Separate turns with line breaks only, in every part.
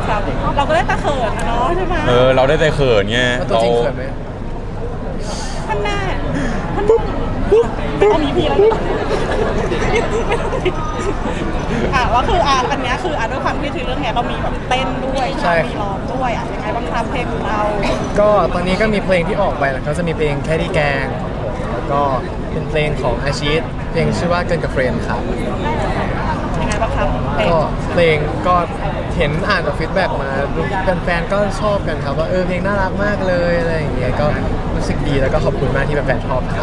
ครับเราก็ได้ตะเขินนะเนาะใช่ไหม
เราได้แต่เขินไง
ตัวจริงเขินไหม
ท่านแน่ท่านไม่ต้องมีพี่แล้วว่าคืออันนี้คือด้วยความที่ทีเรื่องเนี้ยเรามีแบบเต้นด้วยมีร้องด้วยยังไงบ้างครับเพลงของเรา
ก็ตอนนี้ก็มีเพลงที่ออกไปแล้วก็จะมีเพลงแค่ที่แกงแล้วก็เป็นเพลงของอาชีพเพลงชื่อว่าเกินกับเฟรนด์ครับ
ยังไงบ้างครับ
ก็เพลงก็เห็นอ่านจากฟีดแบ็กมาแฟนๆก็ชอบกันครับว่าเพลงน่ารักมากเลยอะไรอย่างเงี้ยก็รู้สึกดีแล้วก็ขอบคุณมากที่แฟนๆชอบครับ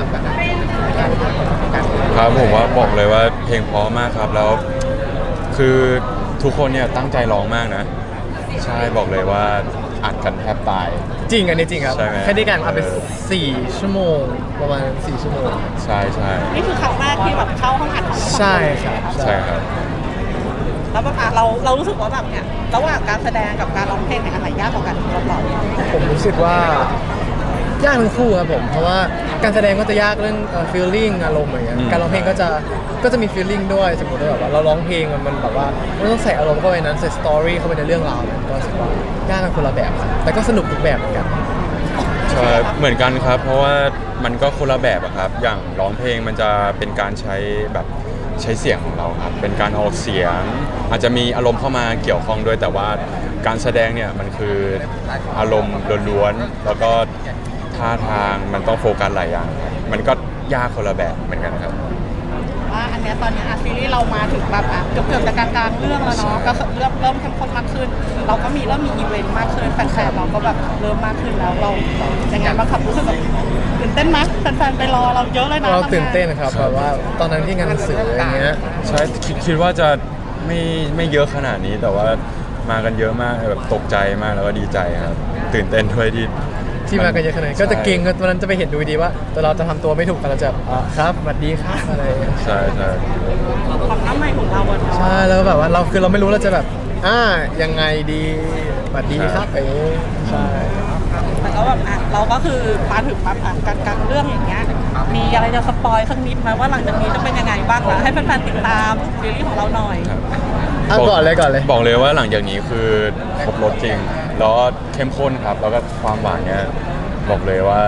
ครับผมว่าบอกเลยว่าเพลงเพราะมากครับแล้วคือทุกคนเนี่ยตั้งใจร้องมากนะใช่บอกเลยว่าอัดกันแทบตาย
จริงอันนี้จริงครับแค่ได้การอัดไป4 ชั่วโมงประมาณ4 ชั่วโมง
ใช่ใช่
นี่คือครั้งแรกที่แบบเข้าห้องอัดของ
ใช่ครับ
ใช่ครับ
แล้วแบบเรารู้สึกว่าแบบเนี่ยระหว่างการแสดงกับการร้องเพลงเนี่ยอะไรยากกว่ากันสำหรับเรา
ผมรู้สึกว่ายากทั้งคู่ครับผมเพราะว่าการแสดงก็จะยากเรื่องfeeling อารมณ์อย่างเงี้ยการร้องเพลงก็จะมี feeling ด้วยสมมติว่าแบบว่าเราร้องเพลงมันแบบว่ามันต้องใส่อารมณ์เข้าไปนั้นใส่ story เข้าไปในเรื่องราวก็รู้สึกว่ายากกันคนละแบบครับแต่ก็สนุกทุกแบบเหมือนกัน
ใช่เหมือนกันครับเพราะว่ามันก็คนละแบบครับอย่างร้องเพลงมันจะเป็นการใช้เสียงของเราครับเป็นการออกเสียงอาจจะมีอารมณ์เข้ามาเกี่ยวข้องด้วยแต่ว่าการแสดงเนี่ยมันคืออารมณ์ล้วนๆแล้วก็ท่าทางมันต้องโฟกัสหลายอย่างมันก็ยากคนละแบบเหมือนกันครับ
อันนี้ตอนนี้ซีรีส์เรามาถึงแบบเกือบจะกลางเรื่องแล้วเนาะก็เริ่มเข้มข้นมากขึ้นเราก็เริ่มมีอีเวนต์มากขึ้นแฟนๆเราก็แบบเริ่มมากขึ้นแล้วเราอย่างไงบ้างครับรู้สึกแบบตื่นเต้นไหมแฟนๆไปรอเราเยอะเลยนะ
เราตื่นเต้นครับแบบว่าตอนนั้นที่งานหนังสืออย่างเงี้ย
ใช่คิดว่าจะไม่เยอะขนาดนี้แต่ว่ามากันเยอะมากแบบตกใจมากแล้วก็ดีใจครับตื่นเต้นด้วย
ที่มากันเยอะขนาดนี้ก็จะเก่งตอนนั้นจะไปเห็นดูดีว่าแต่เราจะทำตัวไม่ถูกกันเราจะครับสวัสดีครับอะไร
ใช่
ความน้ำใหม่ของเรา
ใช่แล้วแบบว่าเราไม่รู้เราจะแบบยังไงดีสวัสดีครับใช่
แต่ก็แบบเราก็คือมาถึงแบบการเรื่องอย่างเงี้ยมีอะไรจะสปอยสักนิดไหมว่าหลังจากนี้จะเป็นยังไงบ้างล่ะให้แฟนๆติดตามซีรีส์ของเราหน่อย
ก่อนเลย
บอกเลยว่าหลังจากนี้คือครบรสจริงแล้วเข้มข้นครับแล้วก็ความหวานเนี้ยบอกเลยว่า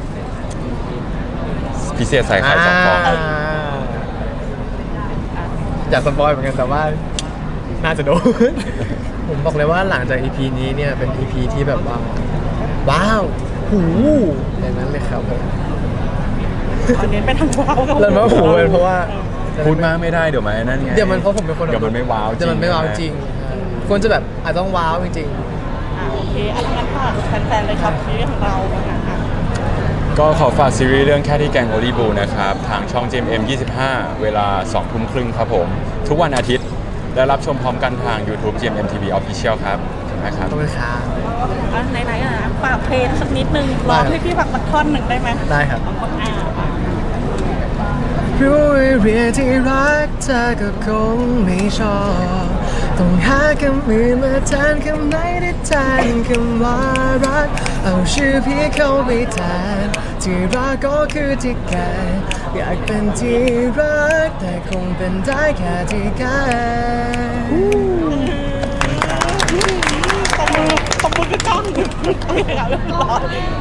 พิเศษใส่ไข่2 ฟอง
อยากสปอยเหมือนกันแต่ว่าน่าจะโดนผมบอกเลยว่าหลังจาก EP นี้เนี่ยเป็น EP ที่แบบว่าว้าวหูอย่างนั้นเลยครับผม
ตอนนี้เป็นทางว้าว
แล้วมาหูเพราะว่า
พูดมากไม่ได้เดี๋ยวมันนั่นไง
เดี๋ยวมันเพราะผมเป็นคน
เดี๋ยวมันไม่ว้าวจริง
เดี๋ยวมันไม่ว้าวจริงควรจะแบบอาจต้องว้าวจริง
โอเคงั้นฝากแฟนๆเลยครับซีรีส์ของเรา
ก็ขอฝากซีรีส์เรื่องแค่ที่แกงโอลิบูนะครับทางช่อง GMM 25 เวลา 20:30 นครับผมทุกวันอาทิตย์และรับชมพร้อมกันทาง YouTube GMM TV Official ครับขอบคุณครับ
ขอบคุณครับ
ไหนฝากเพลงสักนิดนึงร้องให้พี่ฝากสักท่อนหนึ่งได้ไหม
ได้ครับรู้เรียนที่รักเธอก็คงไม่ชอบต้องหาคำอื่นมาแทนคำไหนที่แทนคำว่ารักเอาชื่อพี่เข้าไปแทนที่รักก็คือที่แกอยากเป็นที่รักแต่คงเป็นได้แค่ที่แก
ตบมือกับกล้อง